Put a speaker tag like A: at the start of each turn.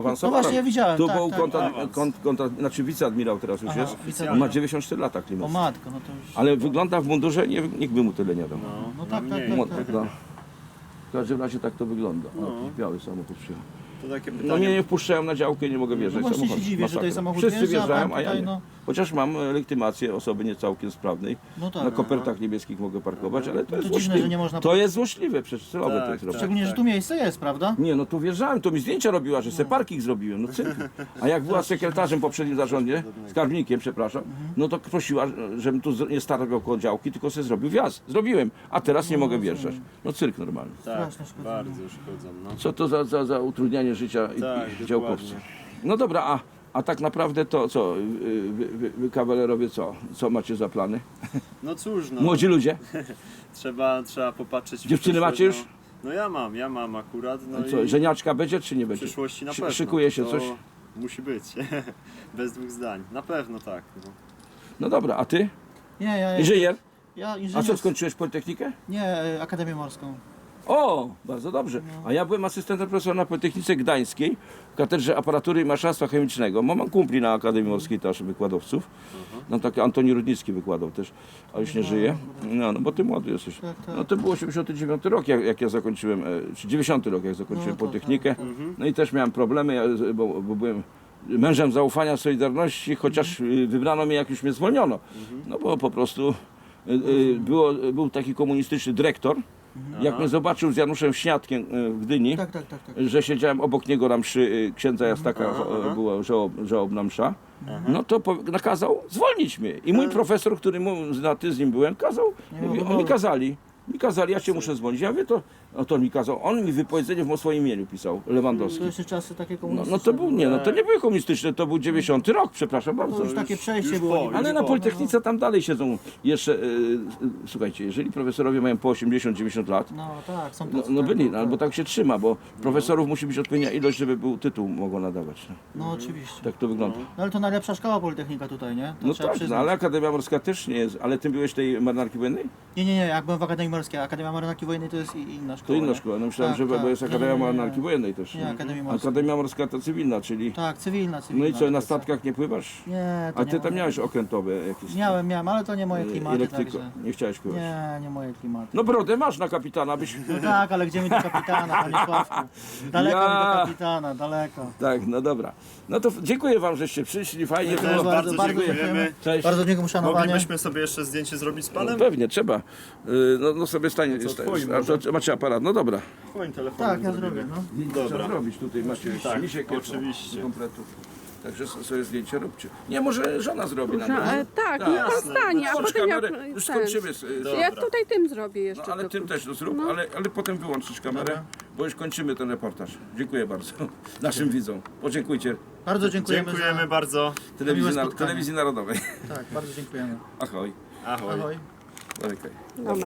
A: No
B: właśnie, ja widziałem,
A: Tu
B: tak,
A: był
B: tak.
A: znaczy wiceadmirał teraz już
B: Aha,
A: jest.
B: wiceadmirał.
A: On ma 94 lata
B: O
A: klimat.
B: matko, no to już...
A: Ale wygląda w mundurze, nikt by mu tyle nie dał.
B: No tak, tak,
A: No,
B: tak.
A: no. W każdym razie tak to wygląda. O,
C: No.
A: jakiś biały samochód przyjechał.
C: To takie
A: No
C: pytanie.
A: mnie nie wpuszczają na działkę, nie mogę wjeżdżać
B: No właśnie
A: samochodem.
B: się dziwię, że tutaj
A: Masakra.
B: samochód
A: Wszyscy
B: wjeżdża, a
A: wjeżdżają,
B: pan
A: a ja
B: tutaj,
A: nie.
B: no.
A: Chociaż mam legitymację osoby niecałkiem sprawnej.
B: No tak.
A: Na kopertach niebieskich mogę parkować, ale to
B: No
A: jest
B: to dziwne,
A: złośliwe.
B: że nie można-
A: To jest złośliwe, przecież celowe
C: Tak,
A: to jest robione.
B: Szczególnie, że tu miejsce jest, prawda?
A: Nie, no tu wjeżdżałem, to mi zdjęcia robiła, że se parking zrobiłem, no cyrk. A jak była sekretarzem w poprzednim zarządzie, skarbnikiem, przepraszam, no to prosiła, żebym tu nie stargał koło działki, tylko se zrobił wjazd. Zrobiłem, a teraz nie mogę wjeżdżać. No cyrk normalny.
C: Tak,
B: Strasznie szkoda.
C: bardzo szkodzą. No.
A: Co to za utrudnianie życia
C: Tak,
A: i działkowców.
C: dokładnie.
A: No dobra, a tak naprawdę to co, wy kawalerowie co macie za plany?
C: No cóż, no.
A: Młodzi ludzie?
C: Trzeba popatrzeć. w
A: Dziewczyny
C: przyszłość,
A: macie już?
C: No ja mam akurat. No
A: Co,
C: i
A: żeniaczka będzie czy nie
C: w
A: będzie?
C: przyszłości na pewno.
A: Szykuje się
C: To
A: coś?
C: Musi być. Bez dwóch zdań. Na pewno tak. No.
A: No dobra, a ty?
B: Nie, ja...
A: Inżynier?
B: Ja
A: A
B: inżynier...
A: co, skończyłeś Politechnikę?
B: Nie, Akademię Morską.
A: O, bardzo dobrze. A ja byłem asystentem profesora na Politechnice Gdańskiej w katedrze aparatury i maszynarstwa chemicznego. Mam kumpli na Akademii Morskiej też wykładowców. No taki Antoni Rudnicki wykładał też, a już nie żyje. No bo ty młody jesteś.
B: Tak, tak.
A: No to było 89 rok, jak ja zakończyłem, czy 90 rok, jak zakończyłem
B: No to
A: Politechnikę. No i też miałem problemy, bo byłem mężem zaufania Solidarności, chociaż wybrano mnie, jak już mnie zwolniono. No bo po prostu był taki komunistyczny dyrektor. Jak mnie zobaczył z Januszem Śniadkiem w Gdyni,
B: Tak, tak, tak, tak.
A: że siedziałem obok niego na mszy księdza Jastaka, była żałobna msza, no to nakazał zwolnić mnie. I mój profesor, który z nim byłem, kazał, mówi, mi kazali, ja cię muszę zwolnić. Ja mówię, to on mi kazał, on mi wypowiedzenie w swoim imieniu pisał, Lewandowski.
B: To jeszcze czasy takie
A: No
B: komunistyczne.
A: to był, nie, no to nie były komunistyczne, to był 90 rok, przepraszam bardzo.
B: To już takie przejście
C: już
B: było.
C: po,
B: niby.
A: Ale
C: już
A: na
C: po.
A: Politechnice tam dalej siedzą jeszcze, słuchajcie, jeżeli profesorowie mają po 80-90 lat,
B: No tak, są
A: no,
B: tacy,
A: no
B: tak,
A: byli,
B: tak.
A: no, albo tak się trzyma, bo profesorów musi być odpowiednia ilość, żeby był tytuł mogło nadawać. No.
B: No oczywiście.
A: Tak to wygląda.
B: No ale to najlepsza szkoła politechnika tutaj, nie? To
A: No
B: trzeba
A: tak, no,
B: przyznać.
A: ale Akademia Morska też nie jest. Ale ty byłeś tej marynarki wojennej?
B: Nie, jak byłem w Akademii Morskiej. Akademia Marynarki Wojennej to jest inna szkoła.
A: To inna
B: nie?
A: szkoła. No myślałem,
B: Tak,
A: że
B: tak.
A: bo jest
B: Nie,
A: Akademia
B: nie, nie.
A: Marynarki Wojennej też.
B: Nie, Akademia Morska.
A: Akademia Morska to cywilna, czyli...
B: Tak, cywilna.
A: No i co, na
B: to
A: statkach nie pływasz?
B: jest- Nie, to
A: A
B: nie
A: ty tam
B: moje.
A: miałeś okrętowe jakieś...
B: Miałem, ale to nie moje klimaty,
A: Elektryko.
B: także...
A: Nie chciałeś pływać.
B: Nie moje klimaty.
A: No brodę masz na kapitana, byś...
B: No tak, ale gdzie mi do kapitana, panie Sławku? Daleko mi
A: Ja.
B: do kapitana, daleko.
A: Tak, no dobra. No to dziękuję wam, żeście przyszli, fajnie
C: Też
A: było.
C: bardzo
B: bardzo
C: dziękujemy.
A: Cześć.
B: Bardzo dziękuję, uszanowanie.
C: Moglibyśmy sobie jeszcze zdjęcie zrobić z panem?
A: Pewnie, trzeba. No sobie stanie.
C: twoim
A: A to macie aparat, no dobra.
C: Twoim telefonem
B: Tak, ja
C: zrobimy.
B: zrobię, no.
A: Trzeba
C: Dobra.
A: zrobić tutaj, macie
C: Tak,
A: misiek
C: oczywiście.
A: do kompletu. Także sobie zdjęcie róbcie. Nie, może żona zrobi nam.
D: Tak, niech pan
C: jasne.
D: stanie, a
A: Włącz
D: potem ja...
A: kamerę, już
D: ten.
A: skończymy.
D: Ja
C: Dobra.
D: tutaj tym zrobię
A: No,
D: jeszcze.
A: ale
D: tylko.
A: tym też to zrób, ale potem wyłączysz kamerę, bo już kończymy ten reportaż. Dziękuję bardzo naszym widzom. Podziękujcie
B: Bardzo dziękujemy,
C: Dziękujemy
B: za...
C: bardzo.
B: spotkanie.
A: Telewizji Narodowej.
B: Tak, bardzo dziękujemy.
A: Ahoj.
C: Ahoj.
B: Ahoj.
A: Okej.
D: Dobra.